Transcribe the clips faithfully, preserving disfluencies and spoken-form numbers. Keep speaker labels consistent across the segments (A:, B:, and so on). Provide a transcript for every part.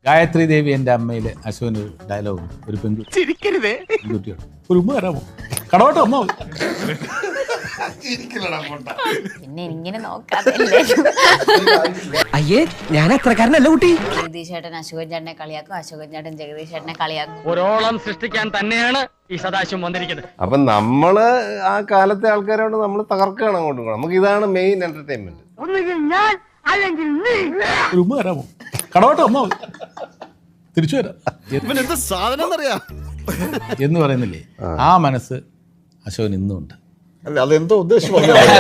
A: ഗായത്രി ദേവി എൻ്റെ അമ്മയിലെ അശോകന് ഒരു ഡയലോഗ് ഉണ്ട്. ഒരു പെൺകുട്ടി പെൺകുട്ടിയോട് ഒരു ഉമ്മ തരാമോ, കടവട്ടെ അമ്മ.
B: പിന്നെ ഇങ്ങനെ നോക്കാതല്ലേ.
C: അയ്യേ ഞാൻ അത്രക്കാരനല്ല കുട്ടി.
B: ജഗദീഷ് ചേട്ടൻ അശോകൻ ചേട്ടനെ കളിയാക്കും, അശോകൻ ചേട്ടൻ ജഗദീഷ് ചേട്ടനെ കളിയാക്കും.
D: ഒരോളം സൃഷ്ടിക്കാൻ തന്നെയാണ് ഈ സദാശിവം വന്നിരിക്കുന്നത്.
E: അപ്പൊ നമ്മള് ആ കാലത്തെ ആൾക്കാരോട് നമ്മൾ തകർക്കുകയാണ് അങ്ങോട്ടും ഇങ്ങോട്ടും. നമുക്ക് ഇതാണ് മെയിൻ എന്റർടൈൻമെന്റ്.
A: ഒരു ഉമ്മ തരാമോ, കടവട്ടെ അമ്മ, തിരിച്ചു വരാം എന്ന് പറയുന്നില്ലേ, ആ മനസ്സ് അശോകൻ ഇന്നും ഉണ്ട്.
F: അല്ല അതെന്തോ ഉദ്ദേശം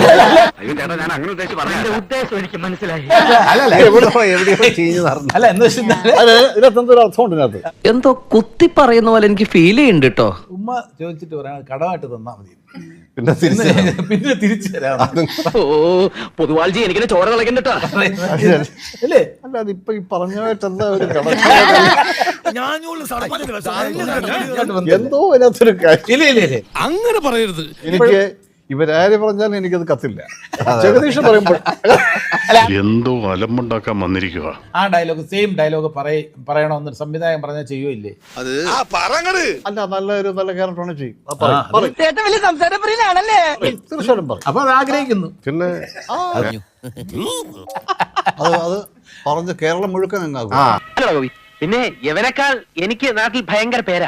D: ഉദ്ദേശം എനിക്ക് മനസ്സിലായി.
A: അല്ലല്ല
E: എവിടെയോ എവിടെയോ ചീഞ്ഞു നടന്നു.
A: അല്ല എന്ന് വെച്ചാൽ
F: ഇതിനകത്ത് ഒരു അർത്ഥമുണ്ട് ഇതിനകത്ത്.
C: എന്തോ കുത്തി പറയുന്ന പോലെ എനിക്ക് ഫീൽ ചെയ്യുന്നുണ്ട് കേട്ടോ.
A: ഉമ്മ ചോദിച്ചിട്ട് പറയാം കടമായിട്ട് തന്നാ മതി,
E: പിന്നെ തിരിച്ച്
A: പിന്നെ തിരിച്ചു തരാം.
C: ഓ പൊതുവാൾജി എനിക്കിനെ ചോര കളക്കണ്ടോ
A: അല്ലേ?
F: അല്ല അതിപ്പോ ഈ പറഞ്ഞായിട്ട് എന്താ ഒരു കട എന്തോ അതിനകത്തൊരു കാര്യം.
A: ഇല്ല ഇല്ല ഇല്ല
G: അങ്ങനെ പറയരുത്.
F: എനിക്ക് ഇവരാര് പറഞ്ഞാലും എനിക്കത് കത്തില്ല. ജഗദീഷ് പറയുമ്പോൾ
G: എന്തോ അലമ്പുണ്ടാക്കാൻ വന്നിരിക്കുക.
A: ആ ഡയലോഗ് സെയിം ഡയലോഗ് പറയ പറയണമെന്ന് സംവിധായകൻ പറഞ്ഞാൽ ചെയ്യുമില്ലേ?
F: അല്ല നല്ലൊരു നല്ല ക്യാരക്ടറാണ് ചെയ്യും.
A: ആ,
F: തീർച്ചയായിട്ടും പറയും.
A: അപ്പൊ അത് ആഗ്രഹിക്കുന്നു.
E: പിന്നെ
F: അത് അത് പറഞ്ഞ് കേരളം മുഴുക്കൻ അങ്ങാകും.
D: പിന്നെ യവനേക്കാൾ എനിക്ക് നാട്ടിൽ ഭയങ്കര പേരാ.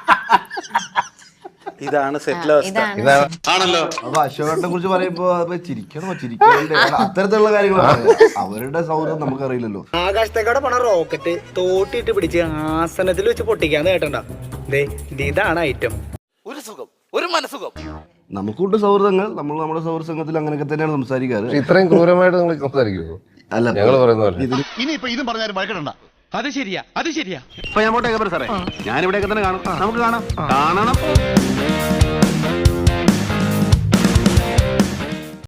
H: ഇതാണ് സെറ്റിൽ അവസ്ഥ.
B: ഇതാണ്
E: ആണല്ലോ.
H: അപ്പൊ അശോകനെ കുറിച്ച് പറയുമ്പോ അപ്പൊ ചിരിക്കണോ ചിരിക്കണ്ടേ, അത്തരത്തിലുള്ള കാര്യങ്ങളാണ്. അവരുടെ സൗഹൃദം നമുക്കറിയില്ലല്ലോ.
I: ആകാശത്തേക്കാടെ പോണ റോക്കറ്റ് തോട്ടിട്ട് പിടിച്ച് ആസനത്തിൽ വെച്ച് പൊട്ടിക്കാന്ന് കേട്ടണ്ട. ഇതാണ് ഐറ്റം.
H: ഒരു സുഖം, ഒരു മനസുഖം. നമുക്കുണ്ട് സൗഹൃദങ്ങൾ. നമ്മൾ നമ്മുടെ സൗഹൃദ സംഘത്തിൽ അങ്ങനെയൊക്കെ തന്നെയാണ് സംസാരിക്കാറ്.
E: ഇത്രയും ക്രൂരമായിട്ട് നിങ്ങൾ സംസാരിക്കുമോ?
H: അല്ല
E: ഞങ്ങൾ പറയുന്ന പോലെ
G: ഇനിയിപ്പോ ഇതും പറഞ്ഞാലും വഴക്കണ്ട. അത് ശരിയാ, അത് ശരിയാ.
D: ഇപ്പൊ ഞാൻ പോട്ടെ സാറേ, ഞാനിവിടെയൊക്കെ തന്നെ കാണും. നമുക്ക് കാണാം കാണണം.